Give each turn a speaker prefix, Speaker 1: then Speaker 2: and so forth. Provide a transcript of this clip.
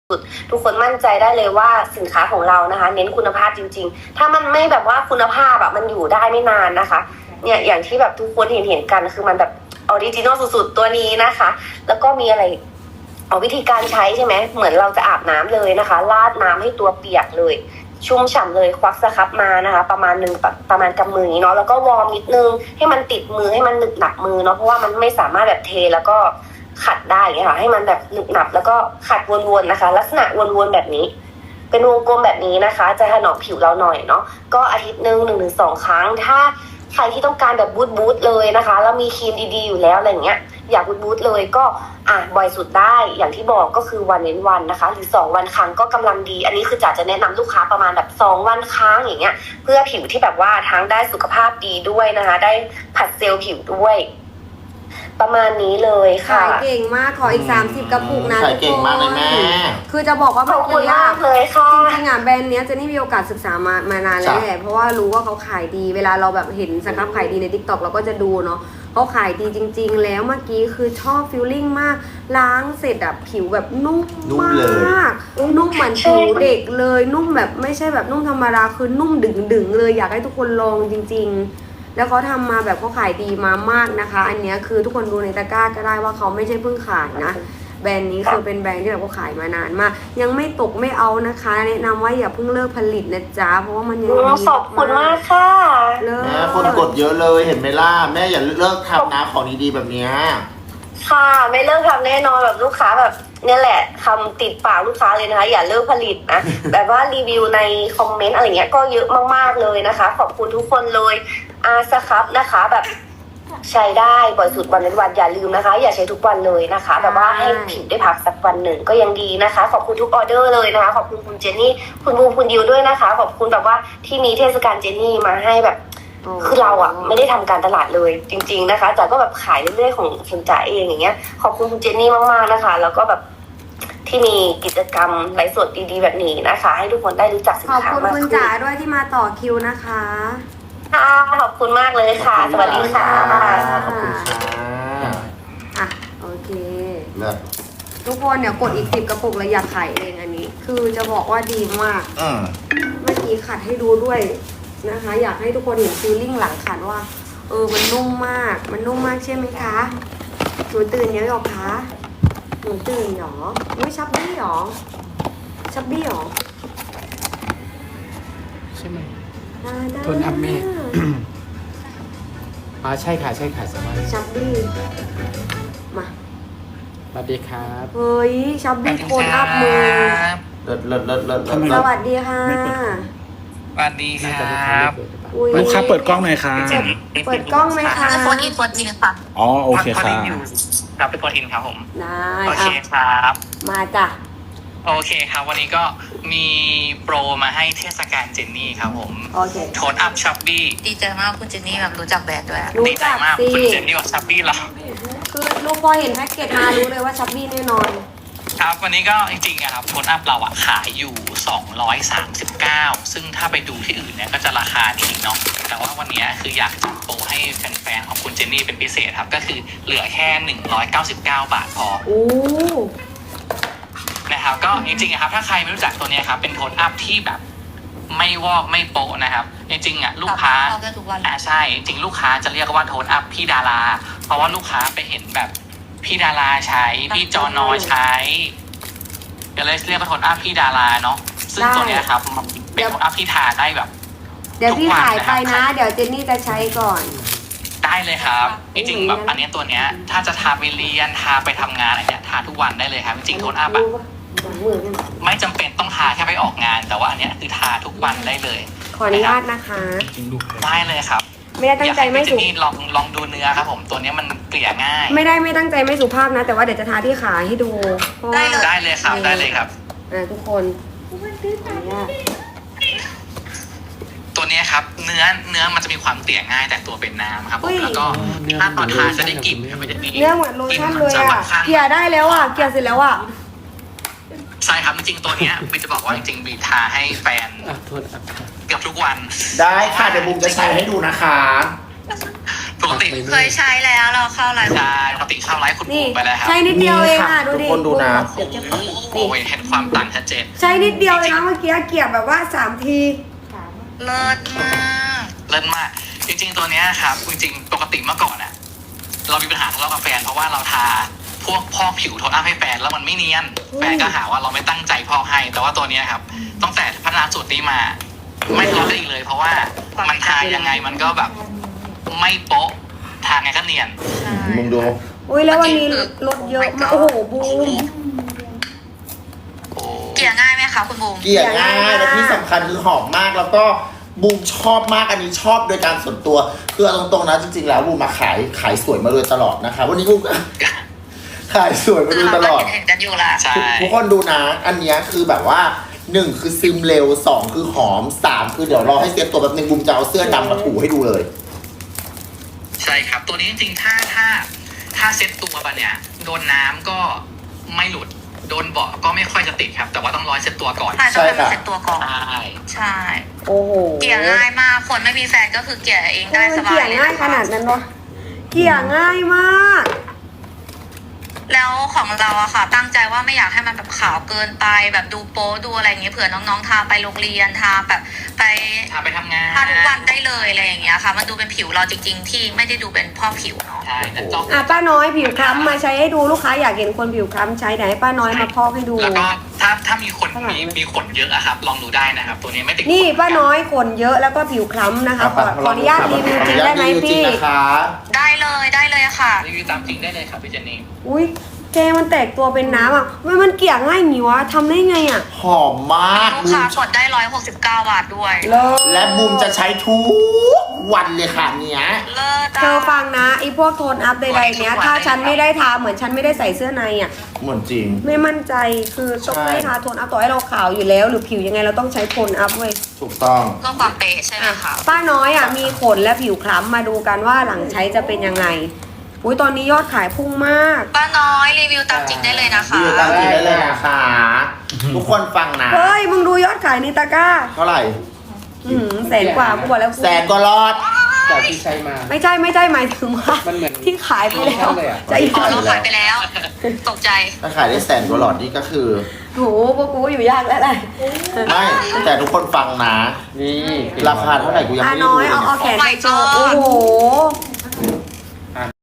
Speaker 1: ทุกคนมั่นใจได้เลยว่าสินค้าของเรานะคะเน้นคุณภาพจริงๆถ้ามันไม่แบบว่าคุณภาพมันอยู่ได้ไม่นานนะคะเนี่ยอย่างที่แบบทุกคนเห็นกันคือมันแบบออริจินอลสุดๆตัวนี้นะคะแล้วก็มีอะไรวิธีการใช้ใช่ไหมเหมือนเราจะอาบน้ำเลยนะคะราดน้ำให้ตัวเปียกเลยชุ่มฉ่ำเลยควักสครับมานะคะประมาณกำมืออย่างนี้เนาะแล้วก็วอร์มนิดนึงให้มันติดมือให้มันหนึบหนับมือเนาะเพราะว่ามันไม่สามารถแบบเทแล้วก็ขัดได้ไงค่ะให้มันแบบหนึบหนับแล้วก็ขัดวนๆนะคะลักษณะวนๆแบบนี้เป็นวงกลมแบบนี้นะคะจะถนอมผิวเราหน่อยเนาะก็อาทิตย์หนึ่ง1-2 ครั้งถ้าใครที่ต้องการแบบบูทเลยนะคะแล้วมีครีมดีๆอยู่แล้วอะไรเงี้ยอยากบูทเลยก็บ่อยสุดได้อย่างที่บอกก็คือวันเว้นวันนะคะหรือ2 วันครั้งก็กำลังดีอันนี้คือจะแนะนำลูกค้าประมาณแบบ2 วันครั้งอย่างเงี้ยเพื่อผิวที่แบบว่าทั้งได้สุขภาพดีด้วยนะคะได้ผัดเซลล์ผิวด้วยประมาณนี้เลยค่ะ
Speaker 2: ขายเก่งมากขออีก30 กระปุกนะ
Speaker 3: ขายเก่งมากเลยแม่
Speaker 2: คือจะบอกว่า
Speaker 1: ขอบคุณมากเลยค่ะ
Speaker 2: จริงๆแบรนด์เนี้ยเจนนี่มีโอกาสศึกษามานานแล้วแหละเพราะว่ารู้ว่าเขาขายดีเวลาเราแบบเห็นสครับขายดีใน TikTok เราก็จะดูเนาะเขาขายดีจริงๆแล้วเมื่อกี้คือชอบฟีลลิ่งมากล้างเสร็จผิวแบบนุ่มมากนุ่มเหมือนผิวเด็กเลยนุ่มแบบไม่ใช่แบบนุ่มธรรมดาคือนุ่มดึงๆเลยอยากให้ทุกคนลองจริงๆแล้วเขาทำมาแบบเขาขายดีมามากนะคะอันเนี้ยคือทุกคนดูในตะกร้าก็ได้ว่าเขาไม่ใช่เพิ่งขายนะแบรนด์นี้คือเป็นแบรนด์ที่แบบเขาขายมานานมากยังไม่ตกไม่เอานะคะแนะนำว่าอย่าเพิ่งเลิกผลิตนะจ๊ะเพราะว่ามันยังดี
Speaker 1: ขอบคุณมากค่ะ
Speaker 2: เลิ
Speaker 3: แม่
Speaker 2: ก
Speaker 3: คนกดเยอะเลยเห็นไหมล่ะแม่อย่าเลิกทำนะของดีๆแบบเนี้ย
Speaker 1: ค่ะไม่เลิกทำแน่นอนแบบลูกค้าแบบเนี่ยแหละคำติดปากลูกค้าเลยนะคะอย่าเลิกผลิตนะ แบบว่ารีวิวในคอมเมนต์อะไรเงี้ยก็เยอะมากๆเลยนะคะขอบคุณทุกคนเลยสครับนะคะแบบใช้ได้บ่อยสุดวันเว้นวันอย่าลืมนะคะ อย่าใช้ทุกวันเลยนะคะ แบบว่าให้ผิวได้พักสักวันหนึ่งก็ยังดีนะคะ ขอบคุณทุกออเดอร์เลยนะคะขอบคุณคุณเจนนี่คุณบูมคุณดิวด้วยนะคะขอบคุณแบบว่าที่มีเทศกาลเจนนี่มาให้แบบคือเราไม่ได้ทำการตลาดเลยจริงๆนะคะจ๋าก็แบบขายเรื่อยๆของคุณจ๋าเองอย่างเงี้ยขอบคุณคุณเจนนี่มากๆนะคะแล้วก็แบบที่มีกิจกรรมไลฟ์สดดีๆแบบนี้นะคะ ให้ทุกคนได้รู้จักสิน
Speaker 2: ขอบ
Speaker 1: ค้า
Speaker 2: คุณ
Speaker 1: มาก
Speaker 2: คุณ
Speaker 1: ขึ้น
Speaker 2: จ๋าด้วยที่มาต่อคิวนะคะ
Speaker 1: ค่ะขอบคุณมากเลยค่ะ สวัสดีค่ะ
Speaker 3: ขอบคุณค่ะ
Speaker 2: อ่ะโอเค
Speaker 3: เลิศ
Speaker 2: ทุกคนเดี๋ยวกดอีก10 กระปุกแล้วอยากขายเองอันนี้ คือจะบอกว่าดีมาก เมื่อกี้ขัดให้ดูด้วยนะคะ อยากให้ทุกคนเห็นฟีลลิ่งหลังขัดว่ามันนุ่มมากมันนุ่มมากใช่ไหมคะหนูตื่นเยอะหรอคะหนูตื่นหรออุ้ยชับบี้หรอชับบี้หรอ
Speaker 4: ใช่ไหม
Speaker 2: ได้
Speaker 4: โทนอัพแม่ ใช่ค่ะใช่ค่ะสวัสดี
Speaker 2: ชับบี้มา
Speaker 4: สวัสดีครับ
Speaker 2: เฮ้ยชับบี้โทนอัพมือ
Speaker 3: เลิศเลิศเลิศเลิศ
Speaker 4: ทำไม
Speaker 2: สวัสดีค่ะ
Speaker 5: สวัสดีค
Speaker 4: น่า
Speaker 5: รั
Speaker 4: จะลูกค้า
Speaker 5: บ
Speaker 4: ไม่เปิดหรือเปล่า
Speaker 2: อุ๊ย
Speaker 6: ลูกค้าเปิดกล้องหน่อยค่ะ
Speaker 2: เปิดกล้องไหมคะ
Speaker 5: โฟนอินค่ะ
Speaker 6: อ๋อโอเค
Speaker 5: พอ
Speaker 6: ค่ะ
Speaker 5: ดีอยู่ครับเป็นโฟนอินครับผม
Speaker 2: ได้
Speaker 5: โอเคครับ
Speaker 2: มาจ้ะ
Speaker 5: โอเคครับ วันนี้ก็มีโปรมาให้เทศกาลเจนนี่ครับผม
Speaker 2: โอเค
Speaker 5: โทนอัพชับบี้
Speaker 7: ดีใจมากคุณเจนนี่แบบรู้จักแบรนด์ด้วยอะ
Speaker 2: รู้
Speaker 5: ดีใจ
Speaker 2: จัก
Speaker 5: มาก
Speaker 2: สิ
Speaker 5: คุณเจนนี่กับชับบี้เรา
Speaker 2: คือลูกพอเห็นแพ็กเกจมารู้เลยว่าชับบี้แน่นอน
Speaker 5: ครับวันนี้ก็จริงๆอะครับโทนอัพเราอะขายอยู่239ซึ่งถ้าไปดูที่อื่นเนี่ยก็จะราคานี้เนาะแต่ว่าวันนี้คืออยากจัดโปรให้แฟนๆของคุณเจนนี่เป็นพิเศษครับก็คือเหลือแค่199 บาทพอ
Speaker 2: โอ้
Speaker 5: นะครับก็จริงๆอะครับถ้าใครไม่รู้จักตัวเนี้ยครับเป็นโทนอัพที่แบบไม่วอกไม่โปะนะครับจริงๆอะลูกค้า
Speaker 7: เข้าได้ทุกวัน
Speaker 5: ใช่จริงๆลูกค้าจะเรียกว่าโทนอัพพี่ดาราเพราะว่าลูกค้าไปเห็นแบบพี่ดาราใช้พี่จอนอใช้ก็เลยเรียกว่าโทนอัพพี่ดาราเนาะซึ่งตัวเนี้ยครับมันเป็นโทนอัพที่ทาได้แบบ
Speaker 2: เดี๋ยวพี่
Speaker 5: ทุกวัน
Speaker 2: ขายไป
Speaker 5: นะครั
Speaker 2: นะ
Speaker 5: บ
Speaker 2: เดี๋ยวเจนนี่จะใช้ก่อน
Speaker 5: ได้เลยครับจริงๆแบบ
Speaker 2: อืม
Speaker 5: อันเนี้ยตัวเนี้ยถ้าจะทาไปเรียนทาไปทำงานอะไรเนี้ยทาทุกวันได้เลยครับจริงๆโทนอัพอะ
Speaker 2: มือกัน
Speaker 5: ไม่จำเป็นต้องทาแค่ไปออกงาน แต่ว่าอันเนี้ยคือทาทุกวันได้เลย
Speaker 2: ขออนุญาตนะคะ
Speaker 6: จริงลูก
Speaker 5: ได้เลยครับ
Speaker 2: ไม่ได้ตั้งใจไม่
Speaker 5: อยากให้
Speaker 2: สุ
Speaker 5: พี่เจนนี่ลองดูเนื้อครับผมตัวเนี้ยมันเกลี่ยง่าย
Speaker 2: ไม่ตั้งใจไม่สุภาพนะ แต่ว่าเดี๋ยวจะทาที่ขาให้ดูเพราะว่า
Speaker 5: ได้เลยครับได้เลยครับ
Speaker 2: ทุกคนขออนุญาต
Speaker 5: ตัวเนี้ยครับเนื้อมันจะมีความเกลี่ยง่ายแต่ตัวเป็นน้ำครับผ
Speaker 2: อุ้
Speaker 5: ม
Speaker 2: ย
Speaker 5: แล้วก็ถ้าตอนทานจะได้กลิ่นมันจะมี
Speaker 2: เนื้อเหมือนโลชั่นเลย
Speaker 5: ก
Speaker 2: อ่ะ
Speaker 5: มัจค่อนข้าง
Speaker 2: เกลี่ยได้แล้วอ่ะเกลี่ยเสร็จแล้วอ่ะ
Speaker 5: ใช่ครับจริงๆตัวเนี้ยบีจะบอกว่าจริงๆบีทาให้แฟน
Speaker 4: โทษอัพค่ะ
Speaker 5: เกือบทุกวัน
Speaker 3: ได้ค่ะเดี๋ยวบุมจะใช้ให้ดูนะคะ
Speaker 5: ปกติ
Speaker 7: เคยใช้แล้วเราเข้าไลฟ์
Speaker 5: ใช่ปกติเข้าไลฟ์คุณ
Speaker 2: นี่
Speaker 5: บูมไปแล้วครับ
Speaker 2: ใช้นิดเดียวเองอ่ะดูดิ
Speaker 3: ทุกคนดูนะ
Speaker 2: เดี๋ยวจะ
Speaker 5: โอ้ยเห็นความต่างชัดเจน
Speaker 2: ใช้นิดเดียวเลยนะเมื่อกี้เกี่ยแบบว่า3 ที
Speaker 7: เลิศมาก
Speaker 5: เลิศมาก จริงๆตัวเนี้ยครับจริงๆปกติเมื่อก่อนอะเรามีปัญหาทะเลาะกับแฟนเพราะว่าเราทาพวกพอกผิวโทนอัพให้แฟนแล้วมันไม่เนียนแฟนก็หาว่าเราไม่ตั้งใจพอกให้ แต่ว่าตัวเนี้ยครับตั้งแต่พัฒนาสูตรนี้มา ไม่ทะเลาะกันอีกเลย เพราะว่ามันทายังไงมันก็แบบไม่โป๊ะทาไงก็เนียน
Speaker 7: ใช่
Speaker 3: มึงดู
Speaker 2: อุ้ยแล้ววันนี้ลดเยอะมากโอ้โหบูม
Speaker 5: โอ้
Speaker 7: เกลี่ยง่ายไหมคะคุณบูม
Speaker 3: เกลี่ยง่ายและที่สำคัญคือหอมมากแล้วก็บูมชอบมากอันนี้ชอบโดยการส่วนตัวคือเอาตรงๆนะจริงๆแล้วบูมมาขายสวยมาโดยตลอดนะคะวันนี้บูมก็ขายสวยมา
Speaker 7: คื
Speaker 3: โด
Speaker 7: อย เรา
Speaker 3: ต
Speaker 7: ก็
Speaker 3: ลอด
Speaker 7: เห็นกันอยู่ละ
Speaker 5: ใช่
Speaker 3: ทุกคนดูนะ อันเนี้ยคือแบบว่า1คือซึมเร็ว2คือหอม3คือเดี๋ยวรอให้เซ็ตตัวแบบนึงบูมจะเอาเสื้อดำมาถูให้ดูเลย
Speaker 5: ใช่ครับ ตัวนี้จริงๆถ้าเซ็ตตัวไปเนี่ยโดนน้ำก็ไม่หลุดโดนเบาะก็ไม่ค่อยจะติดครับ แต่ว่าต้องรอให้เซ็ตตัวก่อน
Speaker 7: ใช่ต้องให้มัน
Speaker 3: ใช่ค่ะ
Speaker 7: เสร็จตัวก่อน
Speaker 5: ใช่
Speaker 7: ใช่
Speaker 2: โอ้โห
Speaker 7: เกลี่ยง่ายมากคนไม่มีแฟนก็คือเกลี่ยเองได้สบา
Speaker 2: เกี่
Speaker 7: ย
Speaker 2: ย
Speaker 7: เลย
Speaker 2: ง่ายขนาดนั้นวะเกี่ยง่ายมาก
Speaker 7: แล้วของเราอะค่ะ ตั้งใจว่าไม่อยากให้มันแบบขาวเกินไปแบบดูโป๊ดูอะไรอย่างเงี้ยเผื่อน้องๆทาไปโรงเรียนทาแบบไป
Speaker 5: ทาไปทำงาน
Speaker 7: ทาทุกวันได้เลยอะไรอย่างเงี้ยค่ะ มันดูเป็นผิวเราจริง ๆ ที่ไม่ได้ดูเป็นพอกผิวเนาะ
Speaker 5: ใช่แต่จอก
Speaker 2: อ่ะป้าน้อยผิวคล้ำมาใช้ให้ดูลูกค้าอยากเห็นคนผิวคล้ำใช้ไหนป้าน้อยมาพอกให้ดู
Speaker 5: แล้วก็ถ้ามีคนมีขนเยอะอะครับ ลองดูได้นะครับ ตัวนี้ไม่ติด
Speaker 2: นี่ป้าน้อยขนเยอะแล้วก็ผิวคล้ำนะคะ ขออนุญาตรีวิวจริงได้ไหม
Speaker 3: ขออนุญาตรีวิวจริง
Speaker 2: พี่
Speaker 3: นะคะ
Speaker 7: ได้เลยค่ะ
Speaker 5: รีวิวตามจริงได้เลยครับพี่เจนนี่
Speaker 2: อุ้ยเจมันแตกตัวเป็นน้ำอ่ะมันเกลี่ยง่ายหนิวะทำได้ไงอ่ะ
Speaker 3: หอมมาก
Speaker 7: ลูก
Speaker 3: บู
Speaker 7: ค้าม กดได้169 บาทด้วย
Speaker 2: เลิศ
Speaker 3: และบูมจะใช้ทุกวันเลยค่ะเนี้ย
Speaker 7: เลิศ
Speaker 2: เธอฟังนะไอ้พวกโทนอัพใดๆเนี้ยถ้าฉันไม่ได้ทาเหมือนฉันไม่ได้ใส่เสื้อในอ่ะ
Speaker 3: เหมือนจริง
Speaker 2: ไม่มั่นใจคือต้อง
Speaker 3: ใช่
Speaker 2: ไม่ทาโทนอัพต่อให้เราขาวอยู่แล้ว หรือผิวยังไงเราต้องใช้โทนอัพเว้ย
Speaker 3: ถูกต้อง
Speaker 7: เพื่อความเป๊ะใช่ไหมคะ
Speaker 2: ป้าน้อยอ่ะมีขนและผิวคล้ำมาดูกันว่าหลังใช้จะเป็นยังไงอุ้ยตอนนี้ยอดขายพุ่งมาก
Speaker 7: ป้าน้อยรีวิวตามจริงได้เลยนะคะ
Speaker 3: รีวิวตามจริงได้เลยนะคะ ทุกคนฟังนะ
Speaker 2: เฮ้ยมึงดูยอดขายในตะกร้า
Speaker 3: เท่าไหร่
Speaker 2: แสนกว่ากูบอกแล้ว
Speaker 3: แสนก็รอด
Speaker 4: จากที่ใช้มา
Speaker 2: ไม่ใช่หมายถึงว่า
Speaker 4: มันเหมือน
Speaker 2: ที่ขายไปแล้ว
Speaker 4: เลยอะ
Speaker 2: จะอีก
Speaker 7: อ๋อเราขายไปแล้ว ตกใจ
Speaker 3: ถ้าขายได้แสนก็รอดนี่ก็คือ
Speaker 2: โหพวกกูอยู่ยากแล้วแหละ
Speaker 3: ไม่ แต่ทุกคนฟังนะ
Speaker 4: นี่
Speaker 3: ราคาเท่าไหร่กูยัง
Speaker 2: อา
Speaker 3: ไม่ได้
Speaker 2: น้
Speaker 3: ดู
Speaker 2: อย
Speaker 3: เลย
Speaker 2: เอา
Speaker 3: เนี่ย
Speaker 2: แขนไปโชว์โอ้โห